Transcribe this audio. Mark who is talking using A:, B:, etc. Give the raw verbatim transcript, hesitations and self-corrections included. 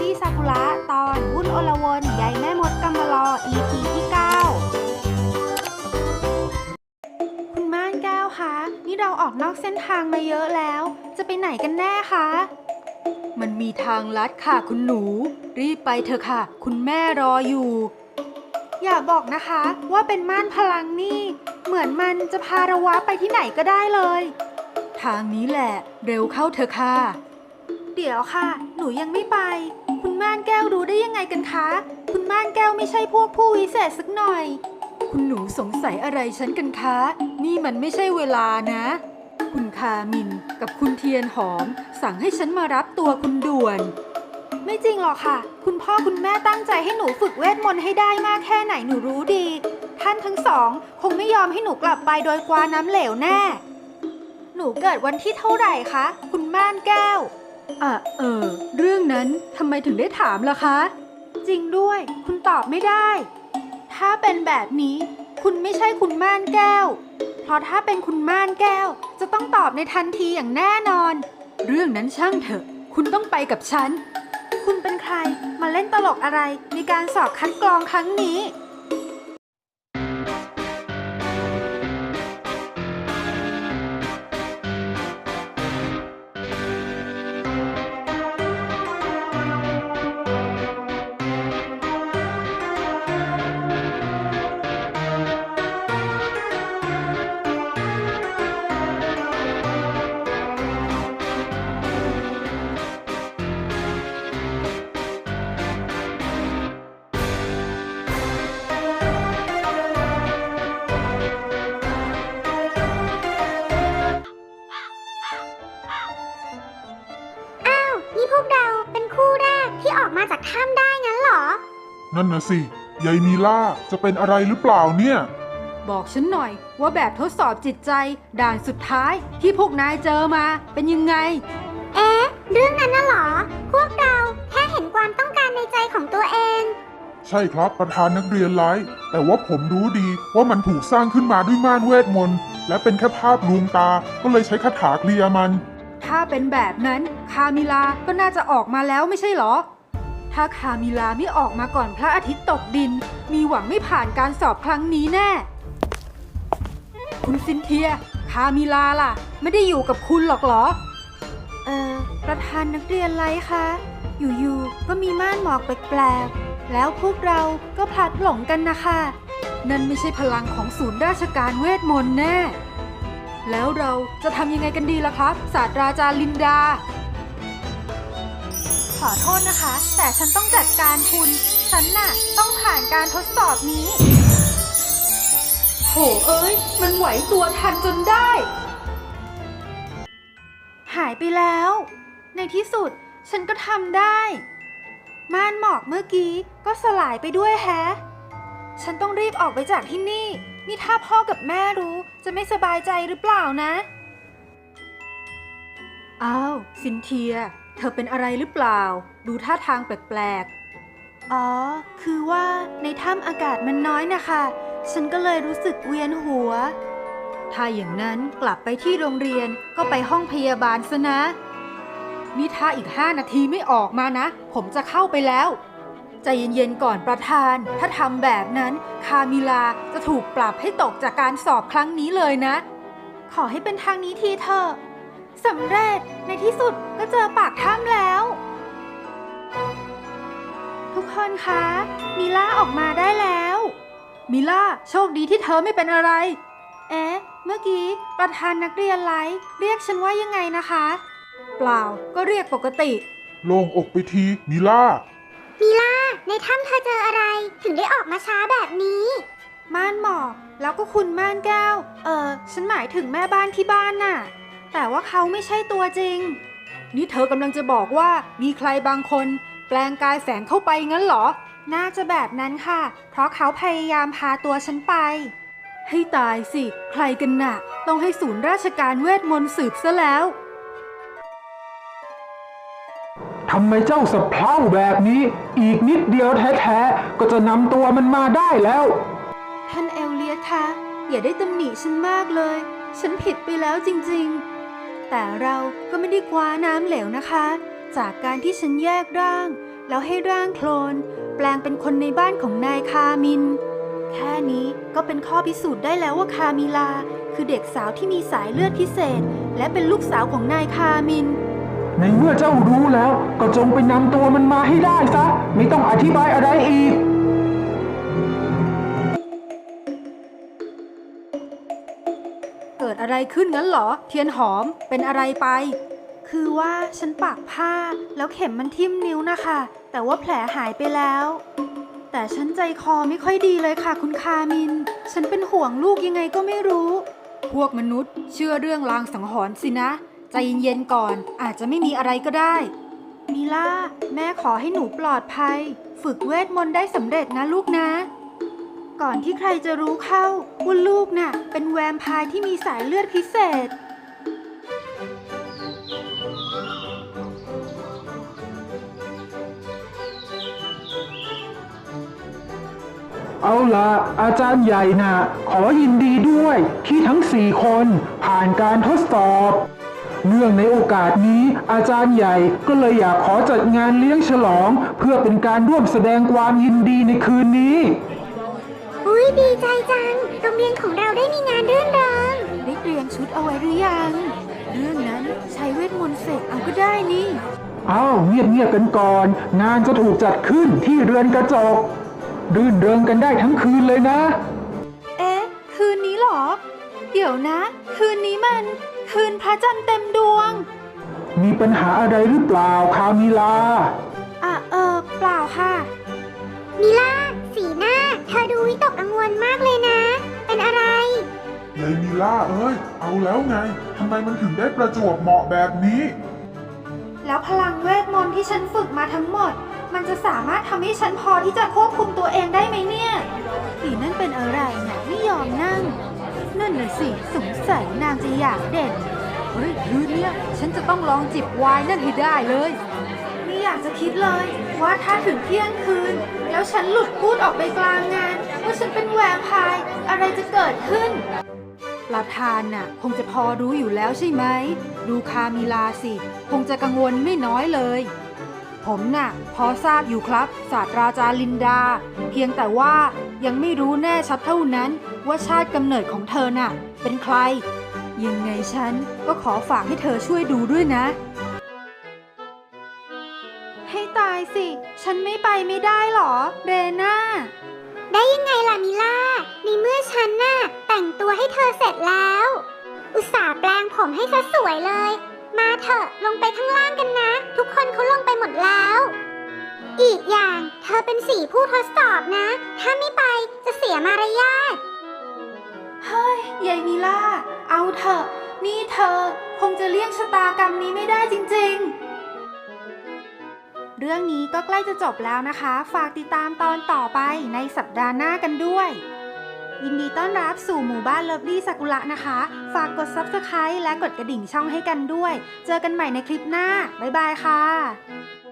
A: รี่ซากุระตอนวุ่นอลวนใยแม่มดกำมะลอ อี พี ที่เก้าคุณม่านแก้วคะนี่เราออกนอกเส้นทางมาเยอะแล้วจะไปไหนกันแน่คะมันมีทางลัดค่ะคุณหนูรีบไปเถอะค่ะคุณแม่รออยู่อย่าบอกนะคะว่าเป็นม่านพลังนี่เหมือนมันจะพาเราวะไปที่ไหนก็ได้เลยทางนี้แหละเร็วเข้าเถอะค่ะเดี๋ยวค่ะหนูยังไม่ไปคุณม่านแก้วรู้ได้ยังไงกันคะคุณม่านแก้วไม่ใช่พวกผู้วิเศษสักหน่อยคุณหนูสงสัยอะไรฉันกันคะนี่มันไม่ใช่เวลานะคุณคามินกับคุณเทียนหอมสั่งให้ฉันมารับตัวคุณด่วนไม่จริงหรอกค่ะคุณพ่อคุณแม่ตั้งใจให้หนูฝึกเวทมนต์ให้ได้มากแค่ไหนหนูรู้ดีท่านทั้งสองคงไม่ยอมให้หนูกลับไปโดยกวาน้ำเหลวแน่หนูเกิดวันที่เท่าไหร่คะคุณม่านแก้วอ่ะเออเรื่องนั้นทำไมถึงได้ถามล่ะคะจริงด้วยคุณตอบไม่ได้ถ้าเป็นแบบนี้คุณไม่ใช่คุณม่านแก้วเพราะถ้าเป็นคุณม่านแก้วจะต้องตอบในทันทีอย่างแน่นอนเรื่องนั้นช่างเถอะคุณต้องไปกับฉันคุณเป็นใครมาเล่นตลกอะไรในการสอบคัดกรองครั้งนี้
B: นี่พวกเราเป็นคู่แรกที่ออกมาจากถ้ำได้งั้นเหรอ
C: นั่นนะสิยายมีล่าจะเป็นอะไรหรือเปล่าเนี่ย
A: บอกฉันหน่อยว่าแบบทดสอบจิตใจด่านสุดท้ายที่พวกนายเจอมาเป็นยังไง
B: เอ๊ะเรื่องนั้นน่ะเหรอพวกเราแค่เห็นความต้องการในใจของตัวเอง
C: ใช่ครับประธานนักเรียนไร้แต่ว่าผมรู้ดีว่ามันถูกสร้างขึ้นมาด้วยม่านเวทมนต์และเป็นแค่ภาพลวงตาก็เลยใช้คาถาเคลียร์มัน
A: ถ้าเป็นแบบนั้นคามิลาก็น่าจะออกมาแล้วไม่ใช่หรอถ้าคามิลาไม่ออกมาก่อนพระอาทิตย์ตกดินมีหวังไม่ผ่านการสอบครั้งนี้แน่คุณซินเทียคามิลาล่ะไม่ได้อยู่กับคุณหรอกเหรอเออประธานนักเรียนไรคะอยู่ๆก็มีม่านหมอกแปลกๆแล้วพวกเราก็พลัดหลงกันนะคะนั่นไม่ใช่พลังของศูนย์ราชการเวทมนต์แน่แล้วเราจะทำยังไงกันดีล่ะครับศาสตราจารย์ลินดาขอโทษนะคะแต่ฉันต้องจัดการคุณฉันน่ะต้องผ่านการทดสอบนี้โหเอ้ยมันไหวตัวทันจนได้หายไปแล้วในที่สุดฉันก็ทำได้ม่านหมอกเมื่อกี้ก็สลายไปด้วยแฮะฉันต้องรีบออกไปจากที่นี่นี่ถ้าพ่อกับแม่รู้จะไม่สบายใจหรือเปล่านะอ้าวซินเทียเธอเป็นอะไรหรือเปล่าดูท่าทางแปลกๆอ๋อคือว่าในถ้ำอากาศมันน้อยนะคะฉันก็เลยรู้สึกเวียนหัวถ้าอย่างนั้นกลับไปที่โรงเรียนก็ไปห้องพยาบาลซะนะนี่ถ้าอีกห้านาทีไม่ออกมานะผมจะเข้าไปแล้วใจเย็นๆก่อนประธานถ้าทำแบบนั้นคามิลาจะถูกปรับให้ตกจากการสอบครั้งนี้เลยนะขอให้เป็นทางนี้ทีเถอะสำเร็จในที่สุดก็เจอปากถ้ำแล้วทุกคนคะมิล่าออกมาได้แล้วมิล่าโชคดีที่เธอไม่เป็นอะไรเอ๊ะเมื่อกี้ประธานนักเรียนไลฟ์เรียกฉันว่ายังไงนะคะเปล่าก็เรียกปกติ
C: โล่งอกไปทีมิล่า
B: มิล่าในถ้ำเธอเจออะไรถึงได้ออกมาช้าแบบนี้
A: ม่านหมอกแล้วก็คุณม่านแก้วเออฉันหมายถึงแม่บ้านที่บ้านน่ะแต่ว่าเขาไม่ใช่ตัวจริงนี่เธอกำลังจะบอกว่ามีใครบางคนแปลงกายแฝงเข้าไปงั้นเหรอน่าจะแบบนั้นค่ะเพราะเขาพยายามพาตัวฉันไปให้ตายสิใครกันน่ะต้องให้ศูนย์ราชการเวทมนต์สืบซะแล้ว
D: ทำไมเจ้าสะเพร่าแบบนี้อีกนิดเดียวแท้ๆก็จะนำตัวมันมาได้แล้ว
A: ท่านเอลเลียสคะอย่าได้ตำหนิฉันมากเลยฉันผิดไปแล้วจริงๆแต่เราก็ไม่ได้คว้าน้ำเหลวนะคะจากการที่ฉันแยกร่างแล้วให้ร่างโคลนแปลงเป็นคนในบ้านของนายคามิน แค่นี้ก็เป็นข้อพิสูจน์ได้แล้วว่าคามิลาคือเด็กสาวที่มีสายเลือดพิเศษ และเป็นลูกสาวของนายคามิน
D: ในเมื่อเจ้ารู้แล้วก็จงไปนำตัวมันมาให้ได้ซะ ไม่ต้องอธิบายอะไรอีก
A: เกิดอะไรขึ้นงั้นเหรอ เทียนหอมเป็นอะไรไป คือว่าฉันปากผ้าแล้วเข็มมันทิ่มนิ้วนะคะ แต่ว่าแผลหายไปแล้ว แต่ฉันใจคอไม่ค่อยดีเลยค่ะคุณคามิน ฉันเป็นห่วงลูกยังไงก็ไม่รู้ พวกมนุษย์เชื่อเรื่องลางสังหรณ์สินะ ใจเย็นๆก่อนอาจจะไม่มีอะไรก็ได้มิล่าแม่ขอให้หนูปลอดภัย ฝึกเวทมนต์ได้สำเร็จนะลูกนะ ก่อนที่ใครจะรู้เข้าว่าลูกน่ะเป็นแวมไพร์ที่มีสายเลือดพิเศษ
D: เอาละอาจารย์ใหญ่นะ่ะขอยินดีด้วยที่ทั้งสี่คนผ่านการทดสอบ เนื่องในโอกาสนี้อาจารย์ใหญ่ก็เลยอยากขอจัดงานเลี้ยงฉลอง เพื่อเป็นการร่วมแสดงความยินดีในคืนนี้
B: อุ้ยดีใจจัง โรงเรียนของเราได้มีงานรื่นเริง
A: ได้เตรียมชุดเอาไว้หรือยัง เรื่องนั้นใช้เวทมนต์เสกเอาก็ได้นี่
D: อ้าวเงียบๆกันก่อน งานจะถูกจัดขึ้นที่เรือนกระจกรื่นเริงกันได้ทั้งคืนเลยนะ
A: เอ๊ะ คืนนี้เหรอ เดี๋ยวนะ คืนนี้มัน คืนพระจันทร์เต็มดวง
D: มีปัญหาอะไรหรือเปล่าคามิลา
A: อ่ะเออเปล่าค่ะ
B: มิล่า สีหน้า เธอดูวิตกกังวลมากเลยนะ เป็นอะไร
C: ยายมิล่าเอ้ย เอาแล้วไง ทำไมมันถึงได้ประจวบเหมาะแบบนี้
A: แล้วพลังเวทมนต์ที่ฉันฝึกมาทั้งหมด มันจะสามารถทำให้ฉันพอที่จะควบคุมตัวเองได้ไหมเนี่ยผีนั่นเป็นอะไรเนี่ยไม่ยอมนั่ง นั่นน่ะสิสงสัยนางจะอยากเด่นเฮ้ยคืนเนี้ยฉันจะต้องลองจิบไวน์นั่นให้ได้เลยไม่อยากจะคิดเลยว่าถ้าถึงเที่ยงคืน แล้วฉันหลุดพูดออกไปกลางงานว่าฉันเป็นแวมไพร์อะไรจะเกิดขึ้นประธานน่ะคงจะพอรู้อยู่แล้วใช่ไหมดูคามิลาสิคงจะกังวลไม่น้อยเลย ผมน่ะพอทราบอยู่ครับศาสตราจารย์ลินดา เพียงแต่ว่ายังไม่รู้แน่ชัดเท่านั้นว่าชาติกำเนิดของเธอน่ะเป็นใคร ยังไงฉันก็ขอฝากให้เธอช่วยดูด้วยนะ ให้ตายสิ ฉันไม่ไปไม่ได้หรอเรน่า
B: ได้ยังไงล่ะมิล่า ในเมื่อฉันน่ะแต่งตัวให้เธอเสร็จแล้ว อุตส่าห์แปลงผมให้ซะสวยเลย มาเถอะลงไปข้างล่างกันนะ ทุกคนเขาลงไปหมดแล้ว อีกอย่างเธอเป็นสี่ผู้ทดสอบนะ ถ้าไม่ไปจะเสียมารยาท
A: เฮ้ยยายมิล่า เอาเถอะ นี่เธอคงจะเลี่ยงชะตากรรมนี้ไม่ได้จริงๆ เรื่องนี้ก็ใกล้จะจบแล้วนะคะ ฝากติดตามตอนต่อไปในสัปดาห์หน้ากันด้วย ยินดีต้อนรับสู่หมู่บ้านเลิฟลี่ซากุระนะคะ ฝากกด ซับสไครบ์ และกดกระดิ่งช่องให้กันด้วย เจอกันใหม่ในคลิปหน้า บ๊ายบายค่ะ